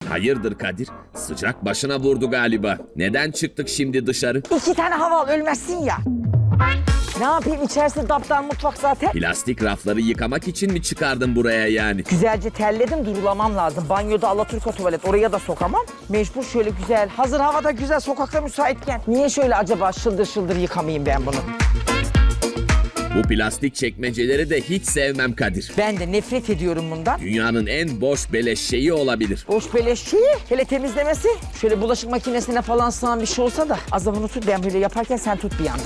Hayırdır Kadir? Sıcak başına vurdu galiba. Neden çıktık şimdi dışarı? 2 tane hava al, ölmezsin ya. Ne yapayım, içerisi daptan mutfak zaten. Plastik rafları yıkamak için mi çıkardın buraya yani? Güzelce terledim, durulamam lazım. Banyoda Alaturka tuvalet, oraya da sokamam. Mecbur şöyle güzel, hazır havada güzel, sokakta müsaitken. Niye şöyle acaba şıldır şıldır yıkamayayım ben bunu? Bu plastik çekmeceleri de hiç sevmem Kadir. Ben de nefret ediyorum bundan. Dünyanın en boş beleş şeyi olabilir. Boş beleş şeyi, hele temizlemesi. Şöyle bulaşık makinesine falan sığan bir şey olsa da azabını tut, ben böyle yaparken sen tut bir yandan.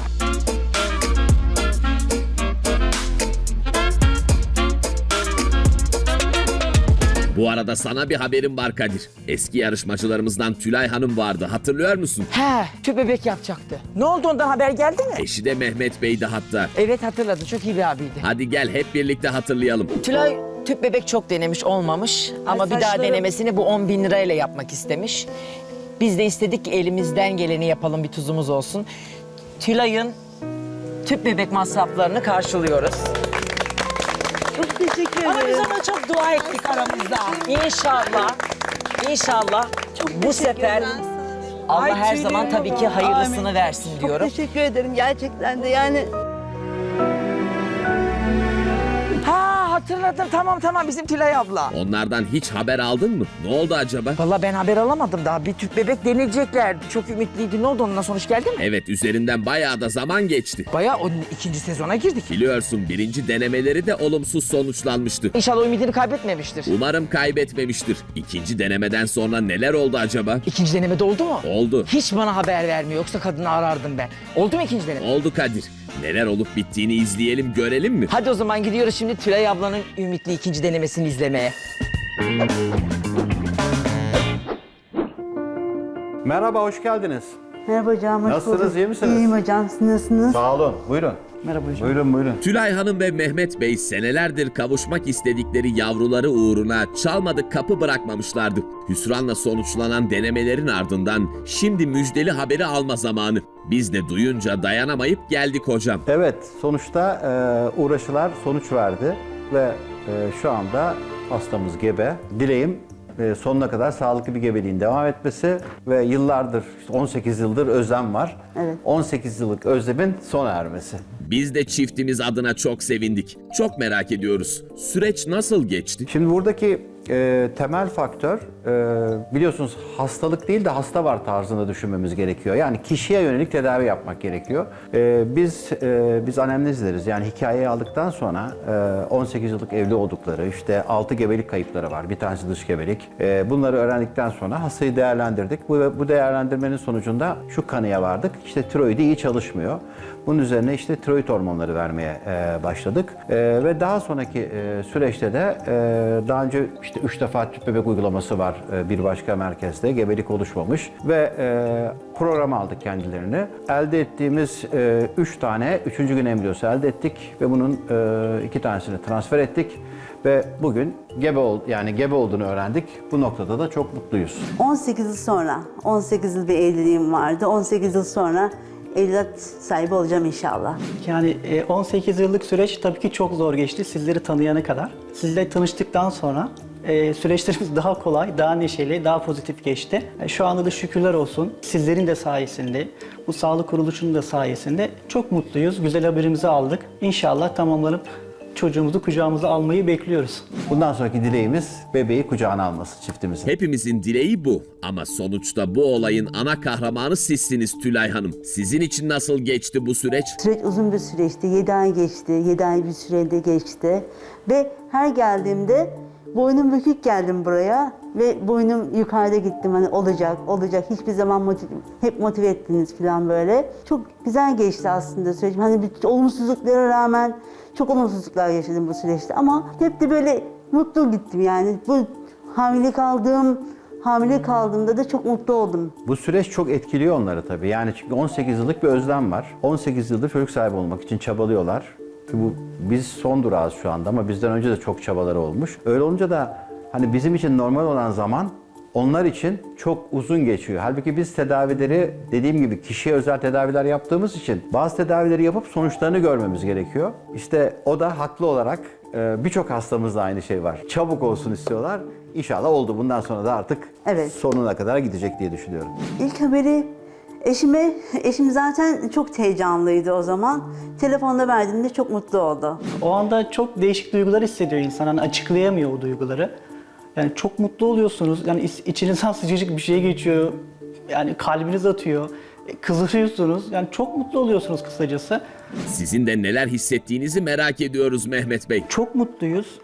Bu arada sana bir haberim var Kadir. Eski yarışmacılarımızdan Tülay Hanım vardı, hatırlıyor musun? He, tüp bebek yapacaktı. Ne oldu, ondan haber geldi mi? Eşi de Mehmet Bey'di hatta. Evet, hatırladım, çok iyi bir abiydi. Hadi gel hep birlikte hatırlayalım. Tülay tüp bebek çok denemiş, olmamış. Ama bir daha denemesini bu 10.000 lirayla yapmak istemiş. Biz de istedik ki elimizden geleni yapalım, bir tuzumuz olsun. Tülay'ın tüp bebek masraflarını karşılıyoruz. Çok teşekkür Ama biz ederim. ona çok dua ettik aramızda. İnşallah bu sefer Allah her zaman tabii ki hayırlısını Amin. versin diyorum. Çok teşekkür ederim gerçekten de yani. Ha, hatırladım, tamam bizim Tülay abla. Onlardan hiç haber aldın mı? Ne oldu acaba? Vallahi ben haber alamadım daha. Bir tüp bebek denileceklerdi. Çok ümitliydi. Ne oldu, ondan sonuç geldi mi? Evet, üzerinden bayağı da zaman geçti. Bayağı o 2. sezona girdik. Biliyorsun birinci denemeleri de olumsuz sonuçlanmıştı. İnşallah ümidini kaybetmemiştir. Umarım kaybetmemiştir. İkinci denemeden sonra neler oldu acaba? 2. denemede oldu mu? Oldu. Hiç bana haber vermiyor. Yoksa kadını arardım ben. Oldu mu 2. deneme? Oldu Kadir. Neler olup bittiğini izleyelim, görelim mi? Hadi o zaman gidiyoruz şimdi Tülay ablanın ümitli 2. denemesini izlemeye. Merhaba, hoş geldiniz. Merhaba hocam, hoş Nasılsınız, bulduk. iyi misiniz? İyiyim hocam, siz nasılsınız? Sağ olun, buyurun. Merhaba hocam. Buyurun. Tülay Hanım ve Mehmet Bey senelerdir kavuşmak istedikleri yavruları uğruna çalmadık kapı bırakmamışlardı. Hüsranla sonuçlanan denemelerin ardından şimdi müjdeli haberi alma zamanı. Biz de duyunca dayanamayıp geldik hocam. Evet, sonuçta uğraşılar sonuç verdi ve şu anda hastamız gebe. Dileğim sonuna kadar sağlıklı bir gebeliğin devam etmesi ve yıllardır, işte 18 yıldır özlem var. Evet. 18 yıllık özlemin sona ermesi. Biz de çiftimiz adına çok sevindik. Çok merak ediyoruz. Süreç nasıl geçti? Şimdi buradaki temel faktör biliyorsunuz hastalık değil de hasta var tarzında düşünmemiz gerekiyor. Yani kişiye yönelik tedavi yapmak gerekiyor. Biz anemnezleriz. Yani hikayeyi aldıktan sonra 18 yıllık evli oldukları, işte 6 gebelik kayıpları var. Bir tanesi dış gebelik. Bunları öğrendikten sonra hastayı değerlendirdik. Bu değerlendirmenin sonucunda şu kanıya vardık. İşte tiroidi iyi çalışmıyor. Bunun üzerine işte tiroid hormonları vermeye başladık. Ve daha sonraki süreçte de daha önce işte 3 defa tüp bebek uygulaması var bir başka merkezde. Gebelik oluşmamış ve program aldık kendilerini. Elde ettiğimiz 3 tane 3. gün embriyosu elde ettik ve bunun 2 tanesini transfer ettik. Ve bugün gebe olduğunu öğrendik. Bu noktada da çok mutluyuz. 18 yıl sonra, 18 yıl bir evliliğim vardı. 18 yıl sonra evlat sahibi olacağım inşallah. Yani 18 yıllık süreç tabii ki çok zor geçti sizleri tanıyana kadar. Sizle tanıştıktan sonra süreçlerimiz daha kolay, daha neşeli, daha pozitif geçti. Şu anda da şükürler olsun sizlerin de sayesinde, bu sağlık kuruluşunun da sayesinde çok mutluyuz. Güzel haberimizi aldık. İnşallah tamamlanıp çocuğumuzu kucağımıza almayı bekliyoruz. Bundan sonraki dileğimiz bebeği kucağına alması çiftimizin. Hepimizin dileği bu. Ama sonuçta bu olayın ana kahramanı sizsiniz Tülay Hanım. Sizin için nasıl geçti bu süreç? Süreç uzun bir süreçti. 7 ay geçti. 7 ay bir sürede geçti. Ve her geldiğimde boynum bükük geldim buraya ve boynum yukarıda gittim, hani olacak hiçbir zaman hep motive ettiniz falan böyle. Çok güzel geçti aslında süreç. Hani bir olumsuzluklara rağmen çok olumsuzluklar yaşadım bu süreçte ama hep de böyle mutlu gittim yani. Bu hamile kaldığımda da çok mutlu oldum. Bu süreç çok etkiliyor onları tabii. Yani çünkü 18 yıllık bir özlem var. 18 yıldır çocuk sahibi olmak için çabalıyorlar. Biz son durağız şu anda ama bizden önce de çok çabaları olmuş. Öyle olunca da hani bizim için normal olan zaman onlar için çok uzun geçiyor. Halbuki biz tedavileri dediğim gibi kişiye özel tedaviler yaptığımız için bazı tedavileri yapıp sonuçlarını görmemiz gerekiyor. İşte o da haklı olarak birçok hastamızda aynı şey var. Çabuk olsun istiyorlar. İnşallah oldu. Bundan sonra da artık Evet. sonuna kadar gidecek diye düşünüyorum. İlk haberi eşim zaten çok heyecanlıydı o zaman. Telefonda verdiğimde çok mutlu oldu. O anda çok değişik duygular hissediyor insan. Hani açıklayamıyor o duyguları. Yani çok mutlu oluyorsunuz. Yani içinizden sıcacık bir şey geçiyor. Yani kalbiniz atıyor. Kızarıyorsunuz. Yani çok mutlu oluyorsunuz kısacası. Sizin de neler hissettiğinizi merak ediyoruz Mehmet Bey. Çok mutluyuz.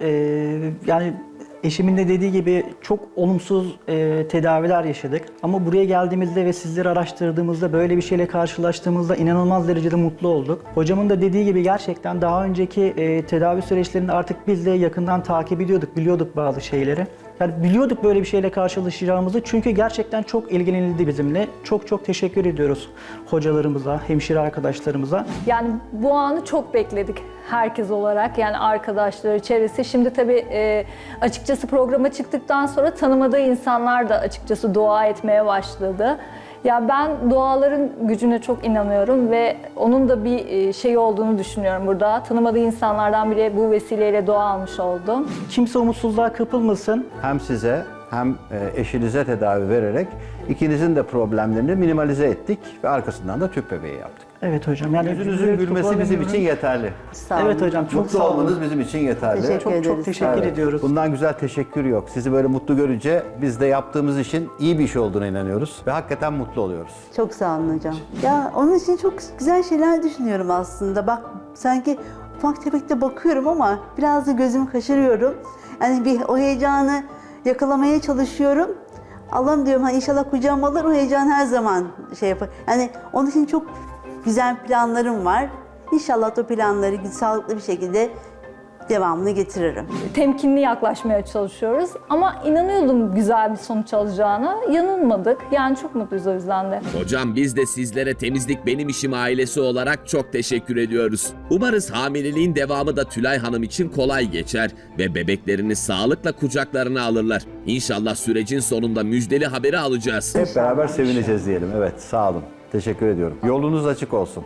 Yani eşimin de dediği gibi çok olumsuz tedaviler yaşadık. Ama buraya geldiğimizde ve sizleri araştırdığımızda, böyle bir şeyle karşılaştığımızda inanılmaz derecede mutlu olduk. Hocamın da dediği gibi gerçekten daha önceki tedavi süreçlerinde artık biz de yakından takip ediyorduk, biliyorduk bazı şeyleri. Yani biliyorduk böyle bir şeyle karşılaşacağımızı, çünkü gerçekten çok ilgilenildi bizimle. Çok çok teşekkür ediyoruz hocalarımıza, hemşire arkadaşlarımıza. Yani bu anı çok bekledik herkes olarak, yani arkadaşları, çevresi. Şimdi tabii açıkçası programa çıktıktan sonra tanımadığı insanlar da açıkçası dua etmeye başladı. Ya ben duaların gücüne çok inanıyorum ve onun da bir şey olduğunu düşünüyorum burada. Tanımadığı insanlardan bile bu vesileyle dua almış oldum. Kimse umutsuzluğa kapılmasın. Hem size hem eşinize tedavi vererek ikinizin de problemlerini minimalize ettik ve arkasından da tüp bebeği yaptık. Evet hocam. Yani Yüzünüzün gülmesi bizim için yeterli. Sağ olun. Evet hocam, çok Mutlu sağ olun. olmanız bizim için yeterli. Teşekkür Çok ederiz. teşekkür Evet. ediyoruz. Bundan güzel teşekkür yok. Sizi böyle mutlu görünce biz de yaptığımız işin iyi bir iş olduğuna inanıyoruz ve hakikaten mutlu oluyoruz. Çok sağ olun hocam. Ya onun için çok güzel şeyler düşünüyorum aslında. Bak sanki ufak tefek de bakıyorum ama biraz da gözümü kaşırıyorum. Yani bir o heyecanı yakalamaya çalışıyorum. Allah'ım diyorum hani inşallah kucağıma alır, o heyecan her zaman şey yapar. Yani onun için çok güzel planlarım var. İnşallah o planları sağlıklı bir şekilde devamını getiririm. Temkinli yaklaşmaya çalışıyoruz ama inanıyordum güzel bir sonuç alacağına. Yanılmadık. Yani çok mutluyuz o yüzden de. Hocam biz de sizlere Temizlik Benim İşim ailesi olarak çok teşekkür ediyoruz. Umarız hamileliğin devamı da Tülay Hanım için kolay geçer ve bebeklerini sağlıkla kucaklarına alırlar. İnşallah sürecin sonunda müjdeli haberi alacağız. Hep beraber sevineceğiz diyelim. Evet, sağ olun. Teşekkür ediyorum. Yolunuz açık olsun.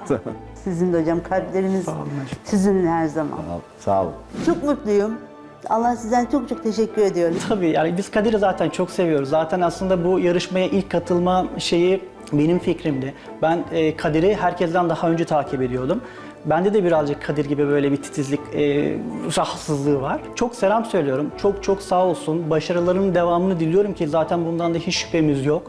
Sizin de hocam, kalpleriniz sizinle her zaman. Sağ olun. Çok mutluyum. Allah sizden çok çok teşekkür ediyorum. Tabii yani biz Kadir'i zaten çok seviyoruz. Zaten aslında bu yarışmaya ilk katılma şeyi benim fikrimdi. Ben Kadir'i herkesten daha önce takip ediyordum. Bende de birazcık Kadir gibi böyle bir titizlik rahatsızlığı var. Çok selam söylüyorum. Çok çok sağ olsun. Başarılarının devamını diliyorum ki zaten bundan da hiç şüphemiz yok.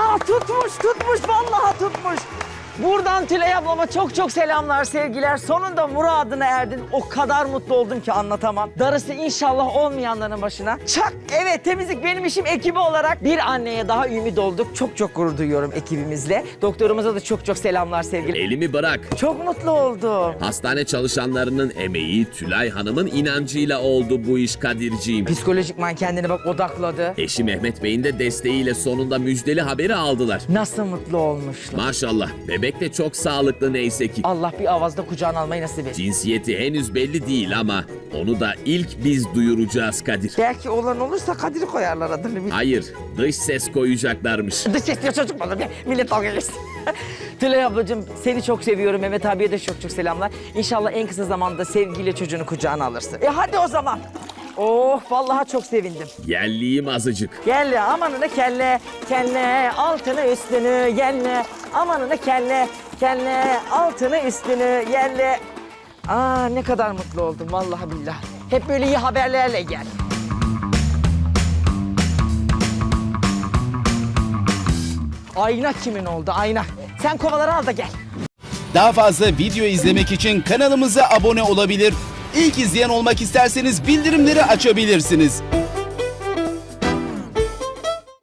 Tutmuş vallahi tutmuş. Buradan Tülay ablama çok çok selamlar, sevgiler. Sonunda muradına erdin. O kadar mutlu oldum ki anlatamam. Darısı inşallah olmayanların başına. Çak! Evet, Temizlik Benim İşim ekibi olarak bir anneye daha ümit olduk. Çok çok gurur duyuyorum ekibimizle. Doktorumuza da çok çok selamlar, sevgiler. Elimi bırak. Çok mutlu oldum. Hastane çalışanlarının emeği, Tülay Hanım'ın inancıyla oldu bu iş Kadirciğim. Psikolojikman kendine bak odakladı. Eşi Mehmet Bey'in de desteğiyle sonunda müjdeli haberi aldılar. Nasıl mutlu olmuşlar. Maşallah, bebek de çok sağlıklı neyse ki. Allah bir avazda kucağına almayı nasip etsin. Cinsiyeti henüz belli değil ama onu da ilk biz duyuracağız Kadir. Belki olan olursa Kadir'i koyarlar adını. Hayır, dış ses koyacaklarmış. Dış ses diyor çocuk mu olur ya? Millet dalga geçsin. Tülay ablacığım seni çok seviyorum. Mehmet abiye de çok çok selamlar. İnşallah en kısa zamanda sevgiyle çocuğunu kucağına alırsın. Hadi o zaman. Oh vallahi çok sevindim. Yerliyim azıcık. Gel amanına kelle, kelle altını üstünü yelle. Amanına kelle, kelle altını üstünü yelle. Aa ne kadar mutlu oldum vallahi billahi. Hep böyle iyi haberlerle gel. Ayna kimin oldu ayna? Sen kovaları al da gel. Daha fazla video izlemek için kanalımıza abone olabilir. İlk izleyen olmak isterseniz bildirimleri açabilirsiniz.